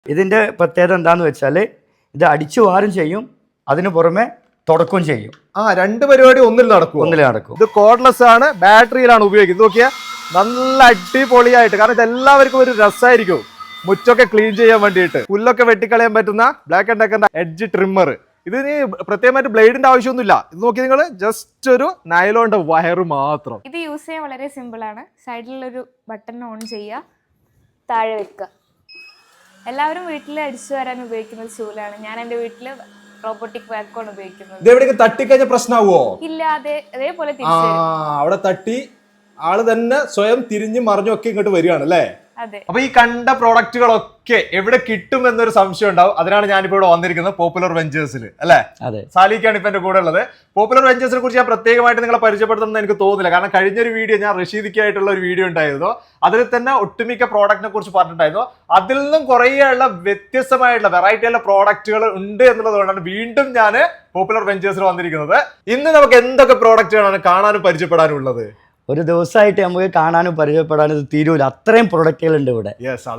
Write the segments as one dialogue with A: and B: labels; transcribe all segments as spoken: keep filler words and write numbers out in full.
A: ഇതിന്റെ പ്രത്യേകത എന്താന്ന് വെച്ചാൽ ഇത് അടിച്ചു വാരും ചെയ്യും, അതിനു പുറമെ തുടക്കുകയും ചെയ്യും.
B: ആ രണ്ട് പരിപാടി ഒന്നിൽ നടക്കും
A: ഒന്നിൽ നടക്കും.
B: ഇത് കോർഡ്ലെസ് ആണ്, ബാറ്ററിയിലാണ് ഉപയോഗിക്കുന്നത്. നോക്കിയാൽ നല്ല അടിപൊളിയായിട്ട്, കാരണം ഇത് എല്ലാവർക്കും ഒരു രസമായിരിക്കും മുറ്റൊക്കെ ക്ലീൻ ചെയ്യാൻ വേണ്ടിയിട്ട്. പുല്ലൊക്കെ വെട്ടിക്കളയാൻ പറ്റുന്ന ബ്ലാക്ക് ആൻഡ് ഡെക്കറിന്റെ എഡ്ജ് ട്രിമ്മർ. ഇതിന് പ്രത്യേകമായിട്ട് ബ്ലേഡിന്റെ ആവശ്യമൊന്നുമില്ല. ഇത് നോക്കി നിങ്ങൾ, ജസ്റ്റ് ഒരു നൈലോണിന്റെ വയറ് മാത്രം.
C: ഇത് യൂസ് ചെയ്യാൻ വളരെ സിമ്പിൾ ആണ്. സൈഡിലൊരു ബട്ടൺ ഓൺ ചെയ്യുക, താഴെ വെക്കുക. എല്ലാവരും വീട്ടിൽ അടിച്ചു വരാൻ ഉപയോഗിക്കുന്ന ചൂലാണ്. ഞാൻ എൻ്റെ വീട്ടിൽ റോബോട്ടിക് വാക്വം ഉപയോഗിക്കുന്നത്.
B: ഇത് എവിടെയൊക്കെ തട്ടിക്കഴിഞ്ഞ പ്രശ്നമാവോ?
C: ഇല്ല, അതെ അതേപോലെ
B: ആ അവിടെ തട്ടി ആള് തന്നെ സ്വയം തിരിഞ്ഞും മറിഞ്ഞും ഒക്കെ ഇങ്ങോട്ട് വരികയാണ് അല്ലേ? അപ്പൊ ഈ കണ്ട പ്രോഡക്റ്റുകളൊക്കെ എവിടെ കിട്ടും എന്നൊരു സംശയം ഉണ്ടാവും. അതിനാണ് ഞാനിപ്പോ ഇവിടെ വന്നിരിക്കുന്നത്, പോപ്പുലർ വെഞ്ചേഴ്സിൽ അല്ലെ? സാലിക്കാണ് ഇപ്പൊ എന്റെ കൂടെ ഉള്ളത്. പോപ്പുലർ വെഞ്ചേഴ്സിനെ കുറിച്ച് ഞാൻ പ്രത്യേകമായിട്ട് നിങ്ങളെ പരിചയപ്പെടുത്തുന്നത് എനിക്ക് തോന്നുന്നില്ല, കാരണം കഴിഞ്ഞൊരു വീഡിയോ ഞാൻ റഷീദിക്കായിട്ടുള്ള ഒരു വീഡിയോ ഉണ്ടായിരുന്നു. അതിൽ തന്നെ ഒട്ടുമിക്ക പ്രോഡക്റ്റിനെ കുറിച്ച് പറഞ്ഞിട്ടുണ്ടായിരുന്നു. അതിൽ നിന്നും കുറേയുള്ള വ്യത്യസ്തമായിട്ടുള്ള വെറൈറ്റി ഉള്ള പ്രോഡക്റ്റുകൾ ഉണ്ട് എന്നുള്ളതുകൊണ്ടാണ് വീണ്ടും ഞാൻ പോപ്പുലർ വെഞ്ചേഴ്സിൽ വന്നിരിക്കുന്നത്. ഇന്ന് നമുക്ക് എന്തൊക്കെ പ്രോഡക്റ്റുകളാണ് കാണാനും പരിചയപ്പെടാനും ഉള്ളത്?
A: ഒരു ദിവസമായിട്ട് നമുക്ക് കാണാനും പരിചയപ്പെടാനും ഇത് തീരൂല, അത്രയും പ്രൊഡക്റ്റുകൾ ഉണ്ട് ഇവിടെ.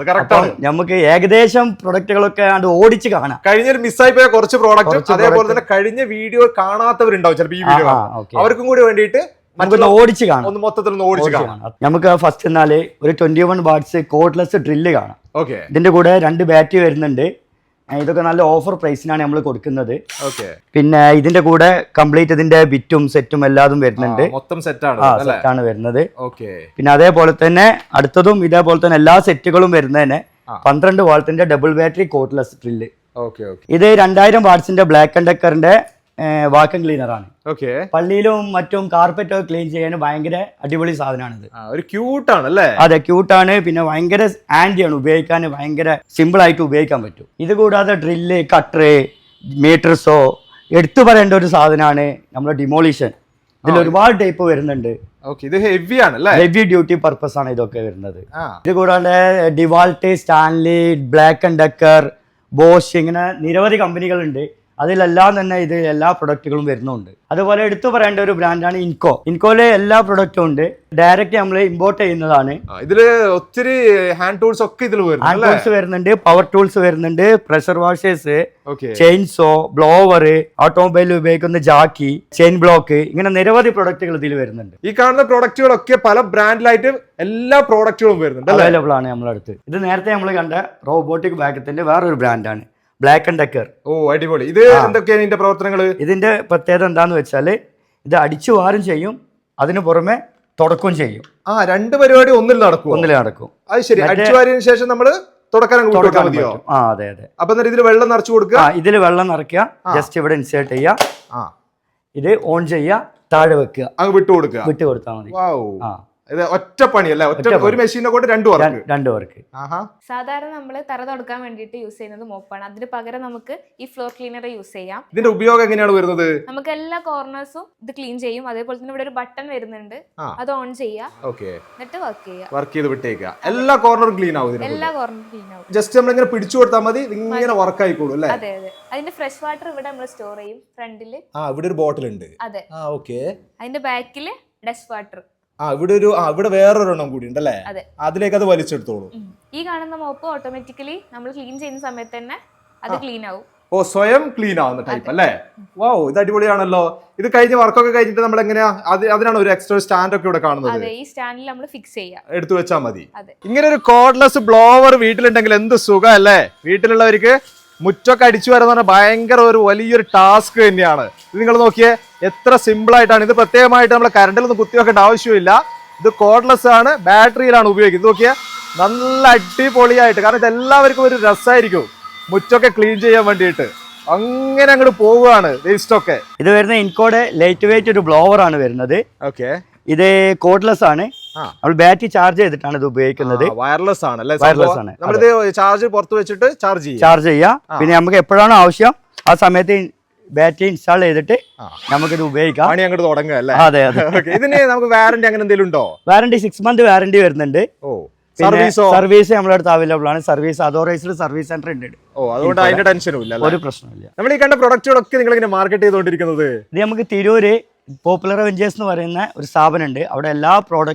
A: നമുക്ക് ഏകദേശം പ്രൊഡക്റ്റുകളൊക്കെ ഓടിച്ച് കാണാം.
B: കഴിഞ്ഞ മിസ്സായി പോയ കുറച്ച് പ്രോഡക്റ്റ്, അതേപോലെ തന്നെ കഴിഞ്ഞ വീഡിയോ കാണാത്തവരുണ്ടാവും ചിലപ്പോൾ ഈ വീഡിയോ, അവർക്കും കൂടി വേണ്ടിയിട്ട്
A: ഓടിച്ച് കാണാം,
B: ഒന്ന് മൊത്തത്തിൽ ഒന്ന് ഓടിച്ച് കാണാം.
A: നമുക്ക് ഫസ്റ്റ് എന്നാല് ഒരു twenty one watts cordless drill കാണാം.
B: ഓക്കെ,
A: ഇതിന്റെ കൂടെ രണ്ട് ബാറ്ററി വരുന്നുണ്ട്. ഇതൊക്കെ നല്ല ഓഫർ പ്രൈസിനാണ് നമ്മൾ കൊടുക്കുന്നത്. പിന്നെ ഇതിന്റെ കൂടെ കംപ്ലീറ്റ് ഇതിന്റെ ബിറ്റും സെറ്റും എല്ലാതും വരുന്നുണ്ട്.
B: മൊത്തം സെറ്റാണ്
A: സെറ്റാണ് വരുന്നത്. പിന്നെ അതേപോലെ തന്നെ അടുത്തതും ഇതേപോലെ തന്നെ എല്ലാ സെറ്റുകളും വരുന്നതിന് പന്ത്രണ്ട് വാൾട്ടിന്റെ ഡബിൾ ബാറ്ററി കോഡ്ലെസ് ഡ്രില്ല്. ഇത് രണ്ടായിരം വാട്ട്സിന്റെ ബ്ലാക്ക് ആൻഡ് ഡെക്കറിന്റെ വാക്വം ക്ലീനർ ആണ്. പള്ളിയിലും മറ്റും കാർപ്പറ്റ് ഒക്കെ ക്ലീൻ ചെയ്യാൻ ഭയങ്കര അടിപൊളി സാധനമാണിത്.
B: ഒരു ക്യൂട്ടാണ് അല്ലേ?
A: അതെ, ക്യൂട്ടാണ്. പിന്നെ ഭയങ്കര ആൻഡിയാണ്, ഉപയോഗിക്കാൻ ഭയങ്കര സിമ്പിൾ ആയിട്ട് ഉപയോഗിക്കാൻ പറ്റും. ഇത് കൂടാതെ ഡ്രില്ല്, കട്ടർ, മീറ്റർസോ എടുത്തു പറയേണ്ട ഒരു സാധനമാണ് നമ്മുടെ ഡിമോളിഷൻ. ഇതിൽ ഒരുപാട് ടൈപ്പ് വരുന്നുണ്ട്. ഹെവി ഡ്യൂട്ടി പർപ്പസ് ആണ് ഇതൊക്കെ വരുന്നത്. ഇത് കൂടാതെ DeWalt, Stanley, Black and Decker, Bosch, ഇങ്ങനെ നിരവധി കമ്പനികളുണ്ട്. അതിലെല്ലാം തന്നെ ഇത് എല്ലാ പ്രൊഡക്റ്റുകളും വരുന്നുണ്ട്. അതുപോലെ എടുത്തു പറയേണ്ട ഒരു ബ്രാൻഡാണ് ഇൻകോ. ഇൻകോയിലെ എല്ലാ പ്രൊഡക്റ്റും ഉണ്ട്. ഡയറക്റ്റ് നമ്മൾ ഇമ്പോർട്ട് ചെയ്യുന്നതാണ്.
B: ഇതില് ഒത്തിരി ഹാൻഡ് ടൂൾസ് ഒക്കെ ഇതിൽ
A: ഹാൻഡ് ടൂൾസ് വരുന്നുണ്ട്, പവർ ടൂൾസ് വരുന്നുണ്ട്, പ്രഷർ വാഷേഴ്സ്, ചെയിൻസോ, ബ്ലോവർ, ഓട്ടോമൊബൈലിൽ ഉപയോഗിക്കുന്ന ജാക്കി, ചെയിൻ ബ്ലോക്ക്, ഇങ്ങനെ നിരവധി പ്രൊഡക്റ്റുകൾ ഇതിൽ വരുന്നുണ്ട്.
B: ഈ കാണുന്ന പ്രൊഡക്റ്റുകളൊക്കെ പല ബ്രാൻഡിലായിട്ട് എല്ലാ പ്രൊഡക്റ്റുകളും വരുന്നുണ്ട്,
A: അവൈലബിൾ ആണ് നമ്മുടെ അടുത്ത്. ഇത് നേരത്തെ നമ്മൾ കണ്ട റോബോട്ടിക് വാക്വത്തിന്റെ വേറൊരു ബ്രാൻഡാണ്, ബ്ലാക്ക് ആൻഡ് ഡെക്കർ.
B: ഓ അടിപൊളി. ഇത് എന്തൊക്കെയാണ് ഇതിന്റെ പ്രവർത്തനങ്ങൾ?
A: ഇതിന്റെ പ്രത്യേകത എന്താന്ന് വെച്ചാൽ ഇത് അടിച്ചു വാരും ചെയ്യും, അതിനു പുറമെ തുടക്കുകയും ചെയ്യും.
B: ആ രണ്ട് പരിപാടി ഒന്നിൽ നടക്കും
A: ഒന്നിൽ നടക്കും
B: അത് ശരി. അടിച്ചു വാരിയതിനു ശേഷം നമ്മൾ തുടക്കാൻ മതിയോ?
A: ആ അതെ അതെ.
B: അപ്പൊ ഇതിൽ വെള്ളം നിറച്ചു കൊടുക്കുക.
A: ഇതിൽ വെള്ളം നിറയ്ക്കുക, ജസ്റ്റ് ഇവിടെ ഇൻസേർട്ട് ചെയ്യുക, ഇത് ഓൺ ചെയ്യുക, താഴെ വെക്കുക,
B: അങ്ങ് വിട്ടു കൊടുക്കുക.
A: വിട്ടു കൊടുത്താൽ മതി.
B: ഒറ്റ പണി അല്ലേ? ഒരു മെഷീനെ കൊണ്ട് രണ്ടു വർക്ക്
A: രണ്ടു വർക്ക്
C: സാധാരണ നമ്മൾ തറ തുടക്കാൻ വേണ്ടിയിട്ട് യൂസ് ചെയ്യുന്നത് മോപ്പാണ്. അതിന് പകരം നമുക്ക് ഈ ഫ്ലോർ ക്ലീനർ യൂസ് ചെയ്യാം.
B: ഇതിന്റെ ഉപയോഗം എങ്ങനെയാണ് വരുന്നത്?
C: നമുക്ക് എല്ലാ കോർണേഴ്സും ഇത് ക്ലീൻ ചെയ്യും. അതേപോലെ തന്നെ ഇവിടെ ഒരു ബട്ടൺ വരുന്നുണ്ട്, അത് ഓൺ ചെയ്യാം, എന്നിട്ട് വർക്ക് ചെയ്യാം.
B: വർക്ക് ചെയ്ത് വിട്ടേക്കുക. എല്ലാ കോർണറും ക്ലീൻ ആവും.
C: എല്ലാ കോർണറും ക്ലീൻ ആവും.
B: ജസ്റ്റ് നമ്മൾ ഇങ്ങനെ പിടിച്ചു കൊടുത്താൽ മതി, ഇങ്ങനെ വർക്ക് ആയിക്കോളൂ അല്ലേ?
C: അതെ അതെ. അതിന്റെ ഫ്രഷ് വാട്ടർ ഇവിടെ നമ്മൾ സ്റ്റോർ ചെയ്യും ഫ്രണ്ടില്.
B: ആ ഇവിടെ ഒരു ബോട്ടിൽ ഉണ്ട്.
C: അതെ.
B: ആ ഓക്കെ.
C: അതിന്റെ ബാക്കില് ഡസ്റ്റ് വാട്ടർ.
B: ആ ഇവിടെ ഒരു ആ ഇവിടെ വേറൊരെണ്ണം കൂടി ഉണ്ടല്ലേ? അതിലേക്ക് അത് വലിച്ചെടുത്തോളൂ.
C: ഈ കാണുന്ന മോപ്പ് ഓട്ടോമാറ്റിക്കലി നമ്മൾ ക്ലീൻ ചെയ്യുന്ന സമയത്ത് തന്നെ അത് ക്ലീൻ ആവും.
B: ഓ സ്വയം ക്ലീൻ ആവുന്ന ടൈപ്പ് അല്ലേ? വാവ്, ഇത് അടിപൊളിയാണല്ലോ. ഇത് കഴിഞ്ഞ വർക്കൊക്കെ കഴിഞ്ഞിട്ട് നമ്മൾ എങ്ങനെയാ അതിനാണ് ഒരു എക്സ്ട്രാ സ്റ്റാൻഡ് ഒക്കെ ഇവിടെ കാണുന്നത്.
C: അതെ, ഈ സ്റ്റാൻഡിൽ നമ്മൾ ഫിക്സ് ചെയ്യാം,
B: എടുത്തു വെച്ചാൽ മതി. ഇങ്ങനെ ഒരു കോർഡ്ലെസ് ബ്ലോവർ വീട്ടിലുണ്ടെങ്കിൽ എന്ത് സുഖം അല്ലേ? വീട്ടിലുള്ളവർക്ക് മുറ്റൊക്കെ അടിച്ചു വരാന്ന് പറഞ്ഞാൽ ഭയങ്കര ഒരു വലിയൊരു ടാസ്ക് തന്നെയാണ്. ഇത് നിങ്ങൾ നോക്കിയേ, എത്ര സിമ്പിൾ ആയിട്ടാണ്. ഇത് പ്രത്യേകമായിട്ട് നമ്മൾ കറണ്ടിലൊന്നും കുത്തിവെക്കേണ്ട ആവശ്യമില്ല. ഇത് കോർഡ്ലെസ് ആണ്, ബാറ്ററിയിലാണ് ഉപയോഗിക്കുന്നത്. ഇത് നോക്കിയാൽ നല്ല അടിപൊളിയായിട്ട്, കാരണം ഇത് എല്ലാവർക്കും ഒരു രസമായിരിക്കും മുറ്റൊക്കെ ക്ലീൻ ചെയ്യാൻ വേണ്ടിയിട്ട്. അങ്ങനെ അങ്ങോട്ട് പോവുകയാണ് വേസ്റ്റ് ഒക്കെ.
A: ഇത് വരുന്ന ഇൻകോടെ ലൈറ്റ് വെയിറ്റ് ഒരു ബ്ലോവർ ആണ് വരുന്നത്.
B: ഓക്കെ,
A: ഇത് കോഡ്ലെസ് ആണ്. നമ്മൾ ബാറ്ററി ചാർജ് ചെയ്തിട്ടാണ് ഇത് ഉപയോഗിക്കുന്നത്.
B: വയർലെസ് ആണ് അല്ലേ?
A: വയർലെസ് ആണ്.
B: നമ്മളിത് ചാർജ് പുറത്ത് വെച്ചിട്ട് ചാർജ് ചെയ്യാം
A: ചാർജ് ചെയ്യാം പിന്നെ നമുക്ക് എപ്പോഴാണോ ആവശ്യം ആ സമയത്ത് ബാറ്ററി ഇൻസ്റ്റാൾ ചെയ്തിട്ട് നമുക്കിത് ഉപയോഗിക്കാം.
B: പണി അങ്ങോട്ട് തുടങ്ങുക അല്ലേ?
A: അതെ അതെ.
B: ഇതിന് നമുക്ക് വാറന്റി അങ്ങനെ എന്തെങ്കിലും ഉണ്ടോ?
A: വാറന്റി സിക്സ് മന്ത് വാറന്റി വരുന്നുണ്ട്.
B: ഓ,
A: സർവീസ് നമ്മുടെ അടുത്ത് അവൈലബിൾ ആണ്. സർവീസ് അതോറൈസ്ഡ് സർവീസ് സെന്റർ ഉണ്ട്.
B: ഓ, അതുകൊണ്ട് അതിന്റെ ടെൻഷനും ഇല്ല,
A: ഒരു പ്രശ്നമില്ല.
B: നമ്മൾ ഈ കണ്ട പ്രൊഡക്റ്റുകളൊക്കെ നിങ്ങൾ ഇങ്ങനെ മാർക്കറ്റ് ചെയ്തുകൊണ്ടിരിക്കുന്നത്?
A: ഇത് നമുക്ക് തിരൂര് പോപ്പുലർ വെഞ്ചേഴ്സ് എന്ന് പറയുന്ന ഒരു സ്ഥാപനം ഉണ്ട്. അവിടെ എല്ലാ പ്രോഡക്റ്റും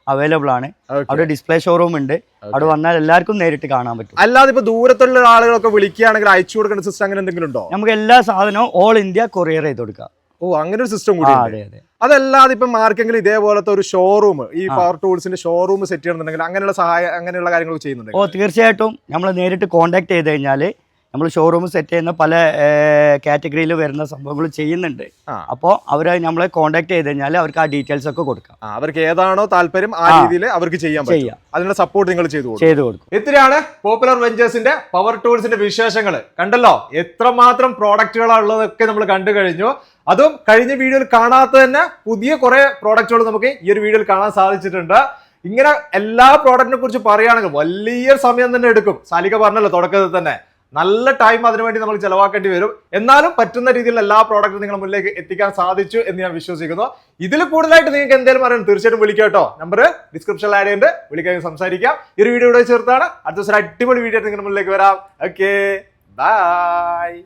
A: അവൈലബിൾ ആണ്. അവിടെ ഡിസ്പ്ലേ ഷോറൂം ഉണ്ട്. അവിടെ വന്നാൽ എല്ലാവർക്കും നേരിട്ട് കാണാൻ പറ്റും.
B: അല്ലാതെ ഇപ്പൊ ദൂരത്തുള്ള ആളുകളൊക്കെ വിളിക്കുകയാണെങ്കിൽ അയച്ചു കൊടുക്കുന്ന സിസ്റ്റം അങ്ങനെ എന്തെങ്കിലും ഉണ്ടോ?
A: നമുക്ക് എല്ലാ സാധനവും ഓൾ ഇന്ത്യ കൊറിയർ ചെയ്ത് കൊടുക്കാം.
B: ഓ, അങ്ങനെ ഒരു സിസ്റ്റം കൂടി.
A: അതെ അതെ.
B: അതല്ലാതെ ഇപ്പൊ ആർക്കെങ്കിലും ഇതേപോലത്തെ ഒരു ഷോറൂം, ഈ പവർ ടൂൾസിന്റെ ഷോറൂം സെറ്റ് ചെയ്യണമെന്നുണ്ടെങ്കിൽ അങ്ങനെയുള്ള സഹായം അങ്ങനെയുള്ള കാര്യങ്ങൾ ചെയ്യുന്നുണ്ട്?
A: ഓ തീർച്ചയായിട്ടും. നമ്മൾ നേരിട്ട് കോൺടാക്ട് ചെയ്ത് കഴിഞ്ഞാൽ നമ്മൾ ഷോറൂം സെറ്റ് ചെയ്യുന്ന പല കാറ്റഗറിയിൽ വരുന്ന സംഭവങ്ങൾ ചെയ്യുന്നുണ്ട്. അപ്പോൾ അവരെ നമ്മളെ കോൺടാക്ട് ചെയ്ത് കഴിഞ്ഞാൽ അവർക്ക് ആ ഡീറ്റെയിൽസ് ഒക്കെ കൊടുക്കാം.
B: അവർക്ക് ഏതാണോ താല്പര്യം ആ രീതിയിൽ അവർക്ക് ചെയ്യാൻ പറ്റും. അതിനുള്ള സപ്പോർട്ട് നിങ്ങൾ ചെയ്തു
A: ചെയ്തു കൊടുക്കും.
B: ഇത്രയാണ് പോപ്പുലർ വെഞ്ചേഴ്സിന്റെ പവർ ടൂൾസിന്റെ വിശേഷങ്ങൾ. കണ്ടല്ലോ എത്രമാത്രം പ്രോഡക്റ്റുകളുള്ളതൊക്കെ നമ്മൾ കണ്ടു കഴിഞ്ഞു. അതും കഴിഞ്ഞ വീഡിയോയിൽ കാണാത്ത തന്നെ പുതിയ കുറെ പ്രോഡക്റ്റുകൾ നമുക്ക് ഈ ഒരു വീഡിയോയിൽ കാണാൻ സാധിച്ചിട്ടുണ്ട്. ഇങ്ങനെ എല്ലാ പ്രോഡക്റ്റിനെ കുറിച്ച് പറയുകയാണെങ്കിൽ വലിയ സമയം തന്നെ എടുക്കും. സാലിക പറഞ്ഞല്ലോ തുടക്കത്തിൽ തന്നെ നല്ല ടൈം അതിനുവേണ്ടി നമ്മൾ ചെലവാക്കേണ്ടി വരും. എന്നാലും പറ്റുന്ന രീതിയിൽ എല്ലാ പ്രോഡക്റ്റും നിങ്ങളുടെ മുന്നിലേക്ക് എത്തിക്കാൻ സാധിച്ചു എന്ന് ഞാൻ വിശ്വസിക്കുന്നു. ഇതിൽ കൂടുതലായിട്ട് നിങ്ങൾക്ക് എന്തെങ്കിലും അറിയാം തീർച്ചയായിട്ടും വിളിക്കാം കേട്ടോ. നമ്പർ ഡിസ്ക്രിപ്ഷനിൽ ആഡ് ചെയ്യുന്നുണ്ട്, വിളിക്കാൻ സംസാരിക്കാം. ഈ ഒരു വീഡിയോ ഇവിടെ ചേർത്താണ്. അടുത്ത ദിവസം അടിപൊളി വീഡിയോ നിങ്ങളുടെ മുന്നിലേക്ക് വരാം. Okay, by.